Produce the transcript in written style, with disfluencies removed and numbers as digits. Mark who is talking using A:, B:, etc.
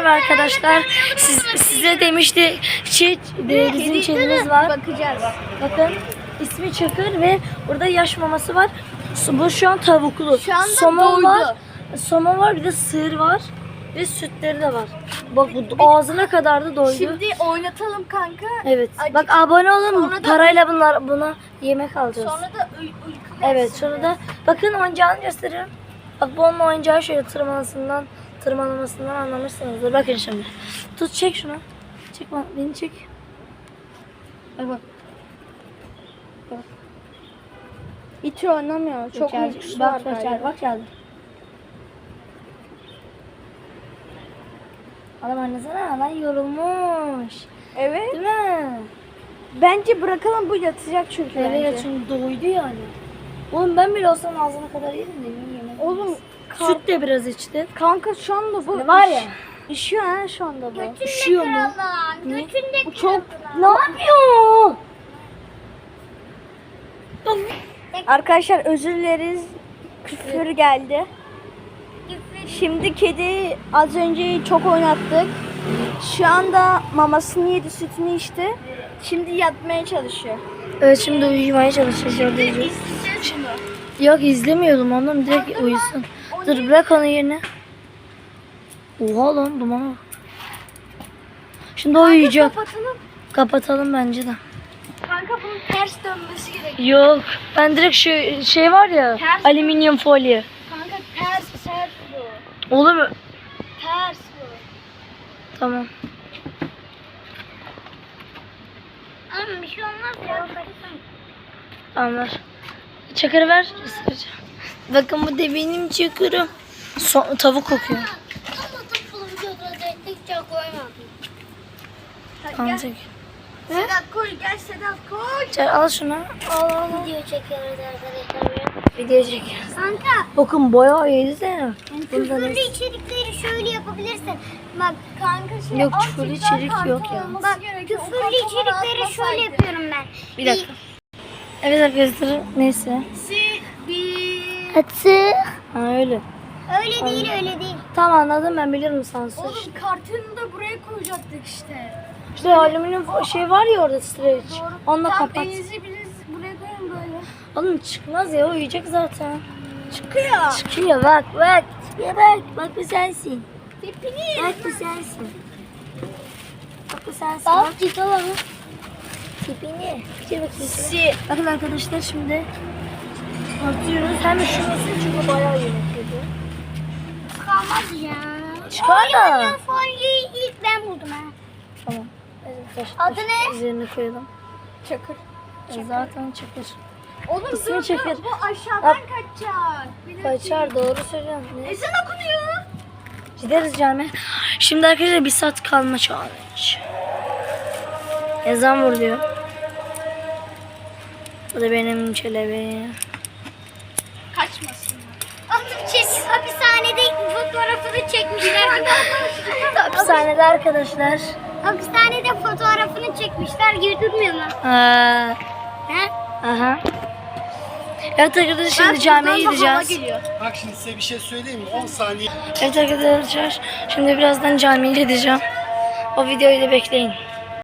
A: Merhaba arkadaşlar. Size demişti bizim çelimiz var.
B: Bakacağız.
A: Bakın ismi Çakır ve burada yaş maması var. Bu şu an tavuklu.
B: Şu anda
A: somon
B: doydu.
A: var. Somon var, bir de sığır var. Ve sütleri de var. Bak bu ağzına kadar da doydu.
B: Şimdi oynatalım kanka.
A: Evet.
B: Acık-
A: Bak abone olun.
B: Sonra da-
A: Parayla buna yemek alacağız.
B: Sonra da uyku
A: Evet,
B: gelsin.
A: sonra da bakın oyuncağını gösteriyorum. Bak bu onun oyuncağı şöyle tırmalamasından anlamışsınızdır. Bakın şimdi. Tut, çek şunu. Çek beni çek. Bak.
B: Hiç oynamıyor. Çok
A: geldi.
B: uykusu var
A: Bak
B: galiba.
A: geldi. Adam anlasana lan yorulmuş.
B: Evet.
A: Değil mi?
B: Bence bırakalım, bu yatacak çünkü
A: Evet
B: bence.
A: çünkü doydu yani. Oğlum ben bile olsam ağzına kadar yerim de yemek.
B: Oğlum
A: Süt de biraz içti.
B: kanka şu anda bu
A: Ne var ya?
B: İşiyor ha şu anda bu.
A: Üşüyor mu?
B: Niye? Bu çok
A: Ne yapıyor?
B: Arkadaşlar özür dileriz. Küfür geldi. Şimdi kedi az önce çok oynattık. Şu anda mamasını yedi, sütünü içti. Şimdi yatmaya çalışıyor.
A: Evet şimdi uyumaya çalışacağız. Yok izlemiyordum onu, direkt uyusun. Dur bırak onu yerine. Oha lan dumana bak. Şimdi o uyuyacak.
B: Kapatalım.
A: Kapatalım bence de.
B: Kanka bunun ters dönmesi gerekiyor.
A: Yok ben direkt şu şey var ya,
B: Ters.
A: alüminyum folyo.
B: Kanka ters bu.
A: Olur mu?
B: Ters bu.
A: Tamam.
B: Ama bir şey olmaz ya.
A: Tamam ver. Çakırı ver. Isıracağım. Bakın bu da benim çakırım. Tavuk kokuyor. Tamam
B: Gel.
A: çek.
B: Sedat koy, gel Sedat koy.
A: Çak, al şunu. Al.
B: Video çekiyoruz arkadaşlar.
A: Video çekiyoruz.
B: Kanka,
A: Bakın bayağı iyiydi de. Bunda
B: küfürlü
A: ne?
B: içerikleri şöyle yapabilirsin. Bak kanka şey
A: Yok,
B: az
A: küfürlü
B: tekrar
A: içerik
B: kartı
A: yok ya.
B: olması gerekiyor. Küfürlü içerikleri şöyle yapıyorum ben.
A: Bir dakika. Evet arkadaşlar neyse.
B: Bir...
A: Hadi. Ha öyle.
B: Öyle değil, öyle değil.
A: Tamam anladım, ben bilirim sansür.
B: Oğlum kartını da buraya koyacaktık işte.
A: İşte alüminyum şey var ya orada, streç. Onunla kapat.
B: Denizi buraya koyun böyle.
A: Oğlum çıkmaz ya, uyuyacak zaten.
B: Çıkıyor.
A: Çıkıyor bak. Çıkıyor bak. Bak bu sensin.
B: Tipini.
A: Bak bu sensin. Bak bu sensin. Bak git al onu. Tipini. Bir bakayım. Bakın arkadaşlar şimdi atıyoruz. Hem üşümesin çünkü bayağı yemek yedi.
B: Çıkamaz ya.
A: Çıkar da.
B: Alüminyum folyoyu ilk ben buldum ha.
A: Tamam. Evet,
B: Adı ne?
A: Üzerine koyalım.
B: Çakır.
A: Zaten çakır.
B: Oğlum
A: İsmi
B: dur
A: Çakır.
B: bu aşağıdan
A: Bak.
B: kaçacak. Bir dakika.
A: Kaçar, doğru söylüyorsun. Ne?
B: Ezan okunuyor.
A: Gideriz cami. Şimdi arkadaşlar 1 saat kalma challenge. Ezan vuruyor. Bu da benim çelebi.
B: Kaçmasın. Hapishanede fotoğrafını çekmişler.
A: Hapishanede arkadaşlar.
B: Hapishanede fotoğrafını çekmişler gibi durmuyor mu? He?
A: Aha. Evet arkadaşlar şimdi camiye gideceğiz.
C: Bak şimdi size bir şey söyleyeyim mi? 10 saniye.
A: Evet arkadaşlar şimdi birazdan camiye gideceğim. O videoyu da bekleyin.